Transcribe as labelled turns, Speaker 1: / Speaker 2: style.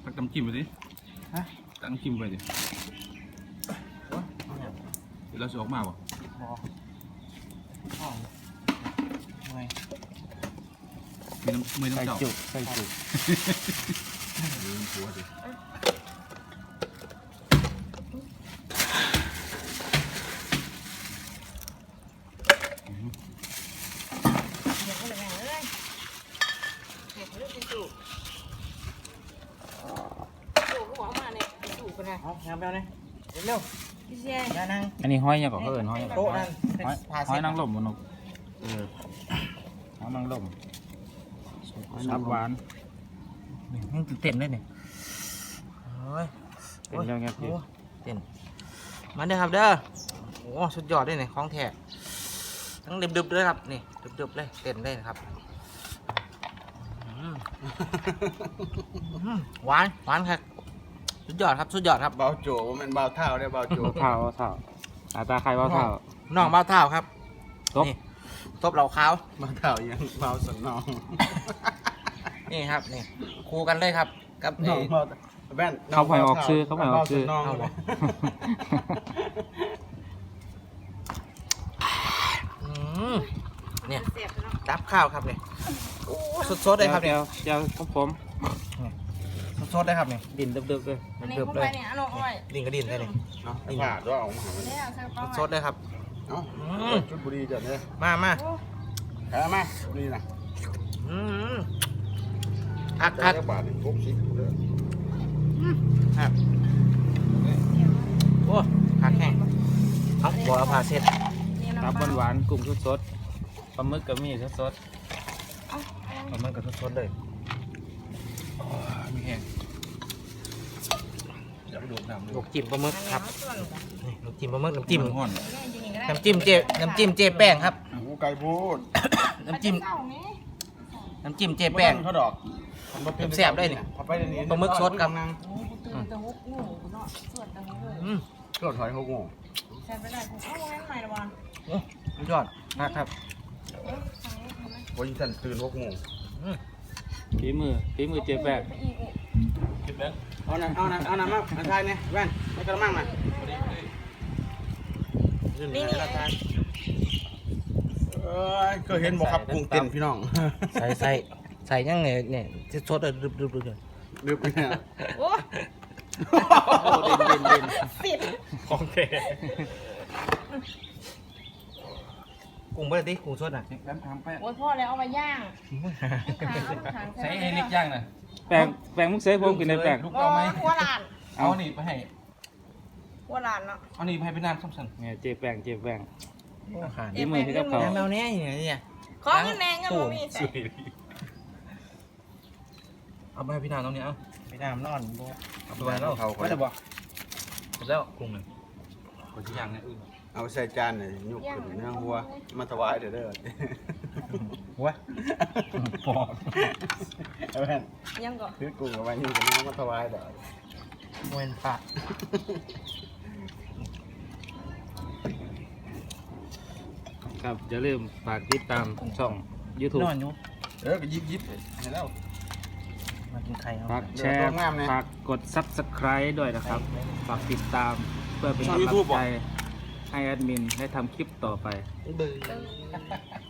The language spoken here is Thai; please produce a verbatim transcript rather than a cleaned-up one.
Speaker 1: ตักน้ำจิ้มไปดิฮะตักน้ำจิ้มไปดิเดี๋ยวเราจะออกมาบ่มีน้ำมีน้ำเจ้าใส่จุกใส่จุกลืมหัวดิ
Speaker 2: เอาแฮมเบลเนี่ยเร็วพี่เชียร์นั่ง
Speaker 3: อันนี้ห้อยยังก่อนเขาเอิญห้อยยังก่อน
Speaker 2: โต๊ะนั่น
Speaker 3: ห้อยห้อยนางลมบนนกเออห้อยนางลมซับหวาน
Speaker 2: นี่ตื่นเต้นเลยเนี่ยโอ้ย
Speaker 3: เป็นยังไงพี่
Speaker 2: เต้นมาเด้อครับเด้อโอ้สุดยอดเลยเนี่ยของแท้ทั้งดึบๆเลยครับนี่ดึบๆเลยเต้นเลยนะครับหวานหวานครับสุดยอดครับสุดยอดครับ
Speaker 1: เบาโจว่ามันเบาเท้าได้เบาโจ
Speaker 3: เท้าเท้าตาตาใครว่าเท้า
Speaker 2: น้องเบ้าเท้าครับ
Speaker 3: ตบ
Speaker 2: นี่ตบเหล่าขาว
Speaker 1: เบาเท้ายังเบาสนน้อง
Speaker 2: นี่ครับนี่คู่กันเลยครับกับ
Speaker 1: น้
Speaker 2: ไอ้
Speaker 1: องเบาแว่น
Speaker 3: เขาไปออกซื้อเขาไปออกซื้อ
Speaker 1: น้อง
Speaker 2: เอา
Speaker 1: เล
Speaker 2: บ่
Speaker 1: ย
Speaker 2: อืมเนี่ยดับข้าวครับเนี่ยโอ้สดๆเลยครับเนี่ย
Speaker 3: เจ้าของผม
Speaker 2: สดๆเลยครับเนี่ย
Speaker 3: ดินเดิบๆเลย
Speaker 4: อันนี้
Speaker 2: เดือบ
Speaker 4: พวก
Speaker 2: เล
Speaker 4: ไป
Speaker 2: ย
Speaker 4: เนี่ยอันนั้นเอาไว้
Speaker 2: ดินก็ดินได้เลย
Speaker 1: เนาะผ่าด้วยออกมาหามัน
Speaker 4: เนี่ยใส่กระเป๋า
Speaker 2: สดๆเลยครับ
Speaker 1: เนาะ
Speaker 2: อืม
Speaker 1: ชุดบุรีจัดเลย
Speaker 2: มามา
Speaker 1: แค่มาบุรีนะ
Speaker 2: อืมคัก
Speaker 1: ได้
Speaker 2: คัก
Speaker 1: บาทหนึ่งพกสิบเลย
Speaker 2: ครับโอ้คักแห้งเอาบัวเอาผ้าเช็ด
Speaker 3: ตับหวานๆกุ้งสดๆปลาหมึกก็มีสด
Speaker 2: มันก็สดๆเลย
Speaker 1: มีแห้งอยากไปดูดน้ำ
Speaker 2: ลูกจิ้มปลาหมึกครับนี่ลูกจิ้มปลาหมึกน้ำจิ้ม
Speaker 1: ห้อน
Speaker 2: น้ำจิ้มเจน้ำจิ้มเจแป้งครับ
Speaker 1: หูไก่พูด
Speaker 2: น้ำจิ้มน้ำจิ้มเจแป้ง
Speaker 1: เขาดอก
Speaker 2: แซ่บๆได้นี่
Speaker 1: เอาไปเดี๋ยวนี้
Speaker 2: ปลาหมึกสดครับ
Speaker 4: ตื่นแต่หกโมงเนาะส่วนแต่หกโมง
Speaker 2: อืม
Speaker 1: รถถอยหกโมง
Speaker 4: ใส่ไปได้ผมเอาไว้ใหม่ละวัน
Speaker 2: โอ้สุดยอดนะครับ
Speaker 1: วันนี้ฉันตื่นหกโมง
Speaker 2: อืม
Speaker 3: ๆฝีมือฝีมือเจ๊แบก
Speaker 1: คิดแล้วเอาน้ำเอาน้ำเอาน้ำมาอันทายเนี่ยแว่นไม่กระมังมา
Speaker 2: นี่นี่
Speaker 1: เอ้ยเคยเห็นบอกครับกุ้งเต้นพี่น้อง
Speaker 2: ใส่ใส่ใส่ยังไงเนี่ยจะสดเลยรึบรึบรึบเลย
Speaker 1: ลืมไปเนี่ย
Speaker 4: โอ้
Speaker 3: โอ้ดินดินดิน
Speaker 4: สิบ
Speaker 3: ของแท้
Speaker 2: กุ้งเบอร์ดิกุ้งสดอ่ะ
Speaker 1: แป๊บทำแป๊บ
Speaker 4: โอ้ยพ่อแล้วเอามาย่างขา
Speaker 1: ใช้ให้เล็กย่างน่ะ
Speaker 3: แปลงแปลงมุกเสยผมกินได้แปลง
Speaker 1: ลูก
Speaker 4: โอ้
Speaker 1: เอาไหม
Speaker 4: หัวหลาน
Speaker 1: เอานี่ไปให้
Speaker 4: หัวหลานเนาะ
Speaker 1: เอานี่ไปให้พี่น้ำซ้ำสัน
Speaker 3: เนี่ยเจ๊แปลงเจ๊แปลง
Speaker 2: ขาด
Speaker 3: ฝีมือที่กับเขา
Speaker 2: แมวเนี้ยอย่างเงี้ย
Speaker 4: ขอเงินแดงเงินบ่มีใส่
Speaker 1: เอาไปให้พี่น้ำตรงนี้เอา
Speaker 2: ไปน้ำนอน
Speaker 1: เอาไปไว้แล้วเขา
Speaker 3: ไม่ได้บอก
Speaker 1: แล้วกุ้งหนึ่งคนที่ย่างเนี่ยอื่นเอาใส่จานเนี่ยยุกขึ้นเนื้อวัวมาถวายเด้อเด้อ
Speaker 2: หัว
Speaker 1: ปอดเอาแม่น
Speaker 4: ยังก่อน
Speaker 1: ซื้อกุ้งเอาไว้นี่กับน้องมาถวายเด้อ
Speaker 2: มวยปาก
Speaker 3: ครับอย่าลืมฝากติดตามช่อง YouTube
Speaker 2: นอนอยู่
Speaker 1: เออก็ยิบยิบเห็นแล้ว
Speaker 2: มากินไข่เอา
Speaker 3: ฝากแชร์ฝากกด Subscribe ด้วยนะครับ ฝากติดตามเพื่อเป็นกำลังใจให้แอดมินได้ทำคลิปต่อไป
Speaker 2: เบื่อ